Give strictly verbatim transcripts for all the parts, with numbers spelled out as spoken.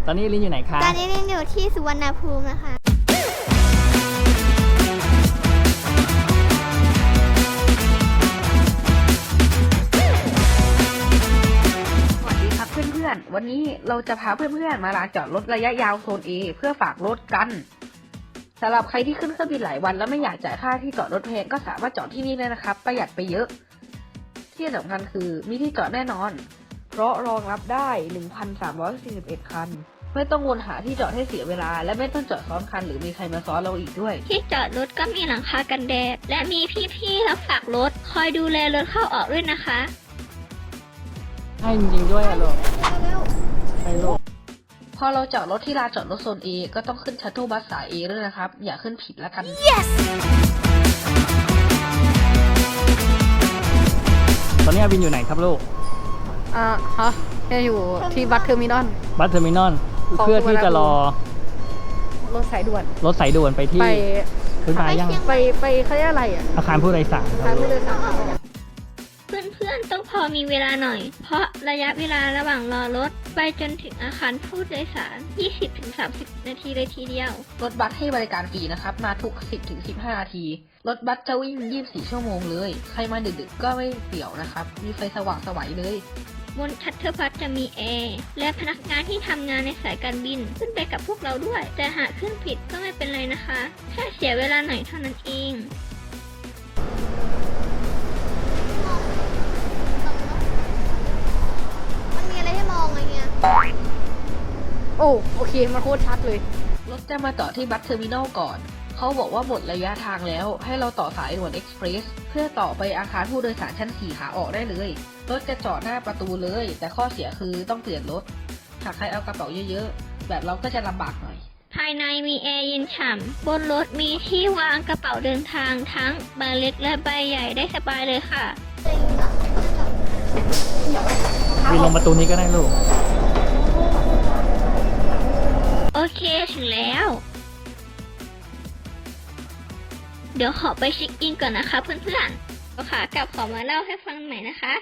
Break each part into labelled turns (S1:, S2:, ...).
S1: ตอนนี้ลินอยู่ไหนคะ
S2: ตอนนี้ลินอยู่ที่สุวรรณภูมินะคะ
S3: สวัสดีครับเพื่อนๆวันนี้เราจะพาเพื่อนๆมาลานจอดรถระยะยาวโซน A เพื่อฝากรถกันสำหรับใครที่ขึ้นเครื่องบินหลายวันแล้วไม่อยากจ่ายค่าที่จอดรถแพงก็สามารถจอดที่นี่ได้นะครับประหยัดไปเยอะที่สำคัญคือมีที่จอดแน่นอนเพราะรองรับได้ หนึ่งพันสามร้อยสี่สิบเอ็ด คันไม่ต้องวนหาที่จอดให้เสียเวลาและไม่ต้องจอดซ้อนคันหรือมีใครมาซ้อนเราอีกด้วย
S4: ที่จอดรถก็มีหลังคากันแดดและมีพี่ๆรับฝากรถคอยดูแลรถเข้าออกด้วยนะคะ
S1: ให้จริงๆด้วยอะลูกให้ลูก
S3: พอเราจอดรถที่ลานจอดรถโซน A ก็ต้องขึ้นชัตเทิลบัสสาย A ด้วยนะครับอย่าขึ้นผิดละกัน
S2: yes
S1: ตอนนี้อาวินอยู่ไหนครับลูก
S5: อ่าฮะจะอยู่ที่บัสเทอร์มินอล
S1: บัสเทอร์มินอลเพื่อที่จะรอ
S5: รถสายด่วน
S1: รถสายด่วนไปที่
S5: ไป
S1: พื้นมายัง
S5: ไปไปเขาเรียกอะไรอ่ะ
S1: อาคารผู้โดยสาร
S5: อาคารผู้โดยสาร
S4: เพื่อนๆต้องพอมีเวลาหน่อยเพราะระยะเวลาระหว่างรอรถไปจนถึงอาคารผู้โดยสาร ยี่สิบถึงสามสิบ นาทีเลยทีเดียว
S3: รถบัสให้บริการฟรีนะครับมาทุก สิบถึงสิบห้า นาทีรถบัสจะวิ่งยี่สิบสี่ชั่วโมงเลยใครมาดึกๆก็ไม่เปี่ยวนะครับมีไฟสว่างสวยเลย
S4: บนชัตเทิลบัสจะมีแอร์และพนักงานที่ทำงานในสายการบินขึ้นไปกับพวกเราด้วยแต่หากขึ้นผิดก็ไม่เป็นไรนะคะแค่เสียเวลาหน่อยเท่านั้นเอง
S2: มันมีอะไรให้มองอะไรเงี้ย
S5: โอ้โอเคมันโคตรชัดเลย
S3: รถจะมาจอดที่บัสเทอร์มินอลก่อนเขาบอกว่าหมดระยะทางแล้วให้เราต่อสายด่วนเอ็กซ์เพรสเพื่อต่อไปอาคารผู้โดยสารชั้นสี่ขาออกได้เลยรถจะจอดหน้าประตูเลยแต่ข้อเสียคือต้องเปลี่ยนรถหากใครเอากระเป๋าเยอะๆแบบเราก็จะลำบากหน่อย
S4: ภายในมีแอร์เย็นฉ่ำบนรถมีที่วางกระเป๋าเดินทางทั้งใบเล็กและใบใหญ่ได้สบายเลยค่ะ
S1: วินลงประตูนี้ก็ได้ลูก
S4: โอเคถึงแล้วเดี๋ยวขอไปเช็คอินก่อนนะคะเพื่อนๆก็ขากลับขอมาเล่าให้ฟังใหม่นะคะ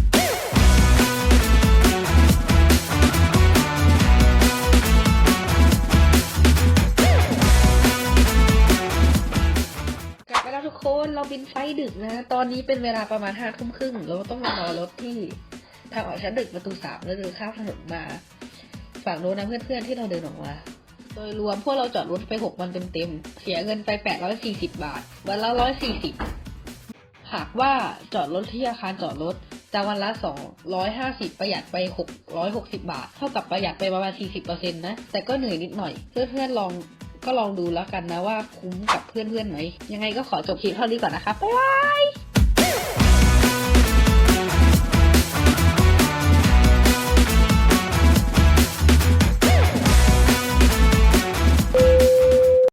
S3: กลับไปแล้วทุกคนเราบินไฟดึกนะตอนนี้เป็นเวลาประมาณห้าทุ่มครึ่งเราต้องมารอรถที่ทางออกชั้นดึกประตูสามแล้วเดินข้ามถนนมาฝั่งโน้นนะเพื่อนๆที่เราเดินออกมาโดยรวมพวกเราจอดรถไปหกวันเต็มๆเสียเงินไปแปดร้อยสี่สิบบาทวันละหนึ่งร้อยสี่สิบหากว่าจอดรถที่อาคารจอดรถจะวันละสองร้อยห้าสิบประหยัดไปหกร้อยหกสิบบาทเท่ากับประหยัดไปประมาณ สี่สิบเปอร์เซ็นต์ นะแต่ก็เหนื่อยนิดหน่อยเพื่อนๆลองก็ลองดูแล้วกันนะว่าคุ้มกับเพื่อนๆไหมยังไงก็ขอจบคลิปเท่านี้ก่อนนะครับบ๊ายบาย